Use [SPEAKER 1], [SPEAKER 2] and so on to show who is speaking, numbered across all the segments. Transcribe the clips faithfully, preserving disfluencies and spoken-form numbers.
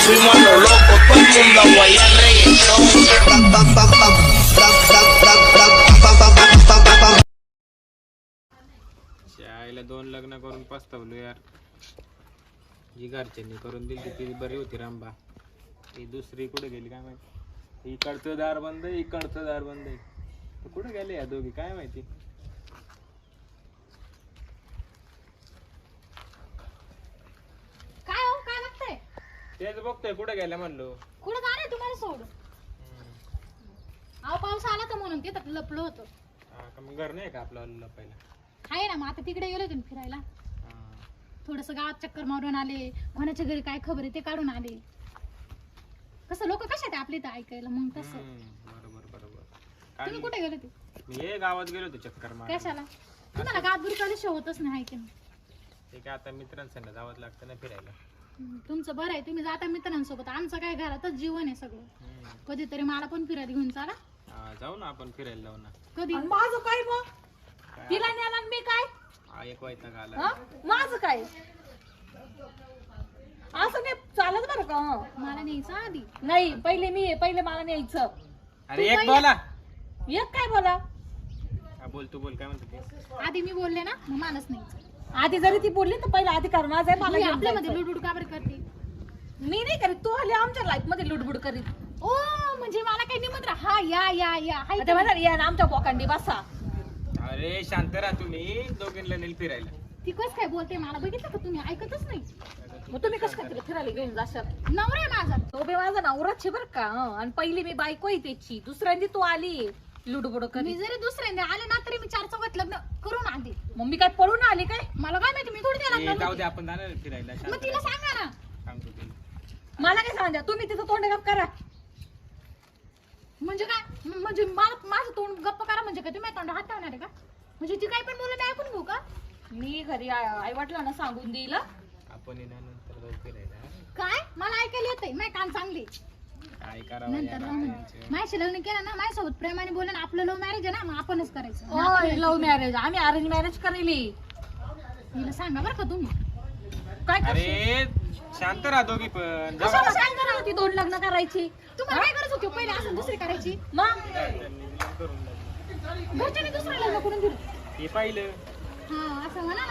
[SPEAKER 1] fuimos a lo loco, todo el mundo a guayar reggaetón.
[SPEAKER 2] आईला दोन लग्न करून पस्तावलो यार. जी घरच्यांनी करून दिली ती बरी होती रामबा. ती दुसरी कुठे गेली काय माहिती. इकडचं दार बंद आहे, इकडचं दार बंद आहे. तर कुठे गेले या दोघी काय माहिती.
[SPEAKER 3] काय हो काय लागतंय?
[SPEAKER 2] तेच बघतोय कुठे गेल्या म्हणलो.
[SPEAKER 3] कुठं जाणार तुम्हाला सोड? अहो पाऊस आला तर म्हणून तिथं लपलो होतो.
[SPEAKER 2] हा का मग घर नाही का आपलं लपायला?
[SPEAKER 3] आहे ना मग आता तिकडे गेलो तुम्ही फिरायला. थोडस गावात चक्कर मारून आले. कोणाच्या घरी काय खबर आहे ते काढून आले. कसं लोक कशा आहेत आपले तर ऐकायला मग तसं.
[SPEAKER 2] बरोबर बरोबर.
[SPEAKER 3] तुम्ही कुठे गेले ते?
[SPEAKER 2] मी हे गावात गेलो होतो चक्कर मारायला.
[SPEAKER 3] कशाला? तुम्हाला गावात बुरकायला होतच नाही की नाही.
[SPEAKER 2] ते काय आता मित्रांसंग जावंच लागतं ना फिरायला.
[SPEAKER 3] तुमचं बरं आहे तुम्ही जाता मित्रांसोबत. आमचं काय घरातच जीवन आहे सगळं. कधीतरी मला पण फिरायला घेऊन चाला.
[SPEAKER 2] हा जाऊ ना आपण फिरायला जाऊ ना.
[SPEAKER 3] कधी?
[SPEAKER 4] माझं काय मग? तिला न्याला मी काय?
[SPEAKER 2] हा एक वैताग आला.
[SPEAKER 4] माझं काय असं नाही चालत बरं का.
[SPEAKER 3] मला न्यायचं आधी.
[SPEAKER 4] नाही पहिले मी पहिले मला न्यायचं.
[SPEAKER 2] अरे एक बोला.
[SPEAKER 4] एक काय बोला.
[SPEAKER 2] बोल तू बोल काय म्हणतो.
[SPEAKER 3] आधी मी बोलले ना मग मानस न्यायचं.
[SPEAKER 4] आधी जरी ती बोलली तर पहिला अधिकार माझा आहे. मला
[SPEAKER 3] आपल्यामध्ये लुडबुड का बरं करते?
[SPEAKER 4] मी नाही करीत. तू आली आमच्या लाईफ मध्ये लुडबुड करीत.
[SPEAKER 3] ओ म्हणजे मला काही निमंत्रण. हा या या या हाय
[SPEAKER 4] आता म्हणा या ना आमच्या बोकांडी बसा.
[SPEAKER 2] अरे शांत राहा तुम्ही. दोघींना नेल फिरायला.
[SPEAKER 3] ती कस काय बोलते मला बघितलं का तुम्ही? ऐकतच नाही.
[SPEAKER 4] मग तुम्ही कसं काय तिला फिरायला घेऊन जाशाल?
[SPEAKER 3] नवरा आहे माझा.
[SPEAKER 4] तो बे माझा नवराच आहे बरं का. आणि पहिली मी बायको आहे त्याची. दुसऱ्यांदी तू आली लुडबुड
[SPEAKER 3] मी
[SPEAKER 4] करी.
[SPEAKER 3] जरी दुसऱ्यांदा आले ना तरी मी चार चौघात लग्न करून आधी.
[SPEAKER 4] मग मी काय पळून आली काय?
[SPEAKER 3] मला काय माहिती मी थोडी
[SPEAKER 2] ए,
[SPEAKER 3] द्यायला
[SPEAKER 2] जाऊ दे आपण जाणार आहे फिरायला. शांत
[SPEAKER 3] मग तिला
[SPEAKER 2] राहा.
[SPEAKER 3] सांगा ना.
[SPEAKER 2] सांगतो तिला.
[SPEAKER 4] मला काय सांगा तुम्ही तिथं तोंड गप करा.
[SPEAKER 3] म्हणजे काय म- म्हणजे मला माझं तोंड गप्प करा म्हणजे काय? तुम्ही तोंड हात ठेवणार आहे का? म्हणजे ती काय पण बोलत आहे ऐकून घेऊ का?
[SPEAKER 4] मी घरी आई वाटलं सांगून देईल.
[SPEAKER 2] आपण येणार नंतर जाऊ फिरायला.
[SPEAKER 3] काय मला ऐकायला येतंय. माझी कान चांगली.
[SPEAKER 2] काय करावं
[SPEAKER 3] नंतर
[SPEAKER 2] यार
[SPEAKER 3] जाऊ
[SPEAKER 2] आता
[SPEAKER 3] ना.
[SPEAKER 2] यांचं.
[SPEAKER 3] माझ्याशी लग्न केलं ना माझ्यासोबत प्रेमाने बोललं ना आपलं लव्ह मॅरेज आहे ना मग आपणच करायचं.
[SPEAKER 4] लव्ह मॅरेज आम्ही अरेंज मॅरेज करेली.
[SPEAKER 3] तिला सांगा बरं का तुम्ही.
[SPEAKER 4] काय करशील?
[SPEAKER 2] अरे शांत राहा दोघी पण. जाऊ
[SPEAKER 4] कशाला काय करावं ती दोन लग्न करायची?
[SPEAKER 3] तुम्हाला काय गरज होती पहिले असं दुसरी करायची?
[SPEAKER 4] मग
[SPEAKER 2] करून जाऊ.
[SPEAKER 3] घरच्यांनी दुसरं लग्न करून दिलं.
[SPEAKER 2] हे पाहिलं.
[SPEAKER 3] हा असं म्हणा ना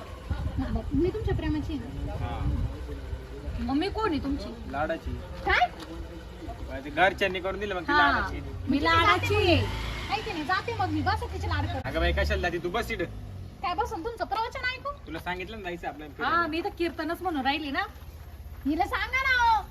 [SPEAKER 3] मग. मी तुमच्या प्रेमाची आहे.
[SPEAKER 2] हा
[SPEAKER 4] मम्मी कोण आहे तुमची?
[SPEAKER 2] लाडाची.
[SPEAKER 3] काय?
[SPEAKER 2] ते घरच्यांनी करून दिलं मग ती
[SPEAKER 4] हा
[SPEAKER 2] लाडाची.
[SPEAKER 4] मी लाडाची आहे.
[SPEAKER 3] ऐकते नाही जाते मग मी बस तिचे लाड कर.
[SPEAKER 2] अगं बाई कशाला जाती तू. बस इथं.
[SPEAKER 3] काय बसून तुमचं प्रवचन ऐकू?
[SPEAKER 2] तुला सांगितलं ना जायचं आपल्याला
[SPEAKER 4] हा
[SPEAKER 2] फिरायला.
[SPEAKER 4] मी तर कीर्तनच म्हणून राहिली ना.
[SPEAKER 3] हिला सांगा ना हो.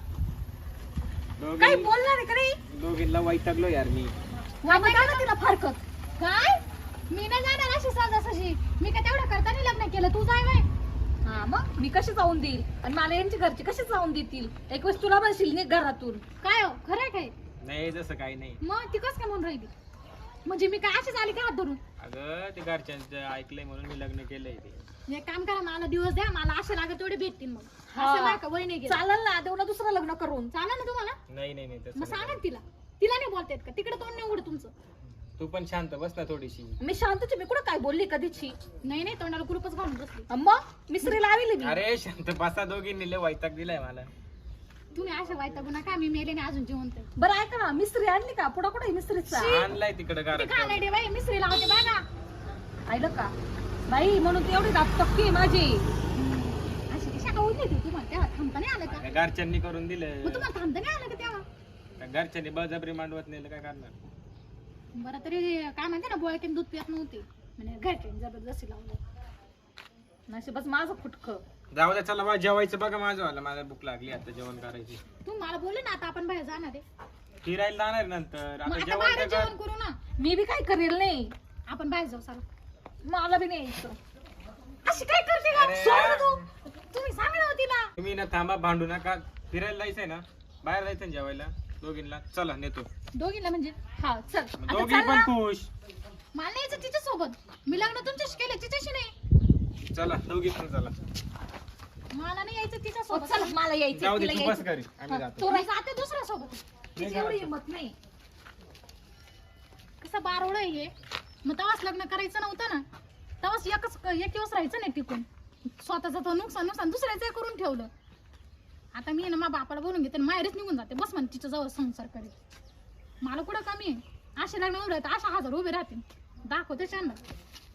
[SPEAKER 2] दोघी-
[SPEAKER 4] काही बोलणार आहे का नाही?
[SPEAKER 2] दोघींना वैतागलो यार मी.
[SPEAKER 4] आता का ना तिला फारकत.
[SPEAKER 3] काय? मी नाही जाणार अशी सहजासहजी. मी काय तेवढं करताना लग्न केलं तू जाय बाय.
[SPEAKER 4] हा मग मी कशी जाऊन देईल आणि मला यांची घरची कशी जाऊन देतील? एक वेळेस तुला म्हणशील नाही घरातून.
[SPEAKER 3] काय हो खरं आहे काय?
[SPEAKER 2] नाही जसं काही नाही.
[SPEAKER 3] मग ती कस काय म्हणून राहिली? म्हणजे मी काय अशीच आली का हात धरून?
[SPEAKER 2] अगं ते घरच्यांचं ऐकलंय म्हणून मी लग्न केलंय ते.
[SPEAKER 3] एक काम करा मला दिवस द्या. मला असे लागत तेवढे भेटतील मग.
[SPEAKER 4] हा.
[SPEAKER 3] असं नाही का वय नाही गेलं.
[SPEAKER 4] चालेल ना देऊ ना दुसरं लग्न करून.
[SPEAKER 3] चालेल ना तुम्हाला?
[SPEAKER 2] नाही नाही नाही
[SPEAKER 3] मग
[SPEAKER 2] तसं
[SPEAKER 3] सांगा
[SPEAKER 2] नाही.
[SPEAKER 3] ना तिला. तिला नाही बोलता येत का? तिकडे तोंड नाही उघड तुमचं.
[SPEAKER 2] तू पण शांत बस ना थोडीशी.
[SPEAKER 4] मी शांतची मी कुठं काय बोलली कधीची?
[SPEAKER 3] नाही नाही तोंडाला कुलूपच घालून बसली.
[SPEAKER 4] मग मिसरी लावली मी.
[SPEAKER 2] अरे शांत बसा दोघींनी लय वैताग दिलाय मला.
[SPEAKER 3] तुम्ही अशा वाईटागू नका. मी मेले नाही अजून जिवंत आहे.
[SPEAKER 4] बरं ऐका ना मिस्त्री आणली का? पुढं कुठे मिस्त्रीचा?
[SPEAKER 2] आणलाय तिकडे
[SPEAKER 3] ते
[SPEAKER 2] घरात.
[SPEAKER 3] काय नाही रे बाई मिसरी लावते बघा.
[SPEAKER 4] ऐकलं का बाई? म्हणून ती एवढी दात टक्की आहे माझी.
[SPEAKER 3] अशी कशा का होती तुम्हाला तेव्हा थांबता नाही आलं का?
[SPEAKER 2] त्या घरच्यांनी करून दिलं.
[SPEAKER 3] मग तुम्हाला थांबता नाही आलं का तेव्हा?
[SPEAKER 2] त्या घरच्यांनी बळजबरी मांडवत नेलं काय करणार.
[SPEAKER 3] बरं तरी काय म्हणते ना बोळकीन दूध पित नव्हते म्हणजे घरच्यांनी जबरदस्ती लावलं.
[SPEAKER 4] नशीबच माझं फुटकं.
[SPEAKER 2] जाऊ द्या चला बा जेवायचं बघा माझं वाला. मला भूक लागली आता जेवण करायची.
[SPEAKER 3] तू मला बोलले ना आता आपण बाहेर जाणार आहे.
[SPEAKER 2] फिरायला जाणार नंतर.
[SPEAKER 3] मग
[SPEAKER 2] आता
[SPEAKER 3] आता
[SPEAKER 2] जेवण
[SPEAKER 3] बाहेर
[SPEAKER 2] तर कर.
[SPEAKER 3] जेवण करू ना.
[SPEAKER 4] मी बी काय करेल नाही.
[SPEAKER 3] आपण बाहेर जाऊ सारा.
[SPEAKER 4] मला बी नाही यायचं.
[SPEAKER 3] अशी काय करते का?
[SPEAKER 2] अरे
[SPEAKER 3] सोड ना
[SPEAKER 2] यार.
[SPEAKER 3] तू. तुम्ही सांगा ना तिला.
[SPEAKER 2] तुम्ही ना थांबा भांडू नका. फिरायला जायचंय ना बाहेर जायचं ना जेवायला दोघींना. चला नेतो.
[SPEAKER 3] दोघीला म्हणजे
[SPEAKER 4] हा चल
[SPEAKER 2] मग
[SPEAKER 4] आता
[SPEAKER 2] दोघी
[SPEAKER 4] चल
[SPEAKER 2] पण
[SPEAKER 4] ना.
[SPEAKER 2] खुश.
[SPEAKER 3] मला नाही यायचं तिच्या सोबत. मी लग्न तुमच्याशी केलं तिच्याशी नाही.
[SPEAKER 2] चला दोघी पण चला.
[SPEAKER 3] मला नाही यायचं तिच्या
[SPEAKER 4] हो,
[SPEAKER 3] सोबत.
[SPEAKER 4] चल मला यायचं
[SPEAKER 2] जाऊ दे
[SPEAKER 4] तिला
[SPEAKER 2] तू बस
[SPEAKER 4] यायचं.
[SPEAKER 2] घरी आम्ही
[SPEAKER 4] हा,
[SPEAKER 2] जातो.
[SPEAKER 3] मी जाते दुसऱ्या सोबत.
[SPEAKER 4] तिची एवढी हिंमत नाही.
[SPEAKER 3] कसं बारोळ आहे हे. मग तेव्हाच लग्न करायचं नव्हतं ना. तेव्हाच एकच एक दिवस राहायचं नाही टिकून. स्वतःच तो नुकसान नुकसान दुसऱ्याचं करून ठेवलं. आता मी ना मा बापाला बोलून घेते माहेरच निघून जाते बस म्हणे तिच्या जवळ संसार करेल मला कुठं कमी आहे असे लग्न उभे राहते अशा हजार उभे राहते दाखवते त्यांना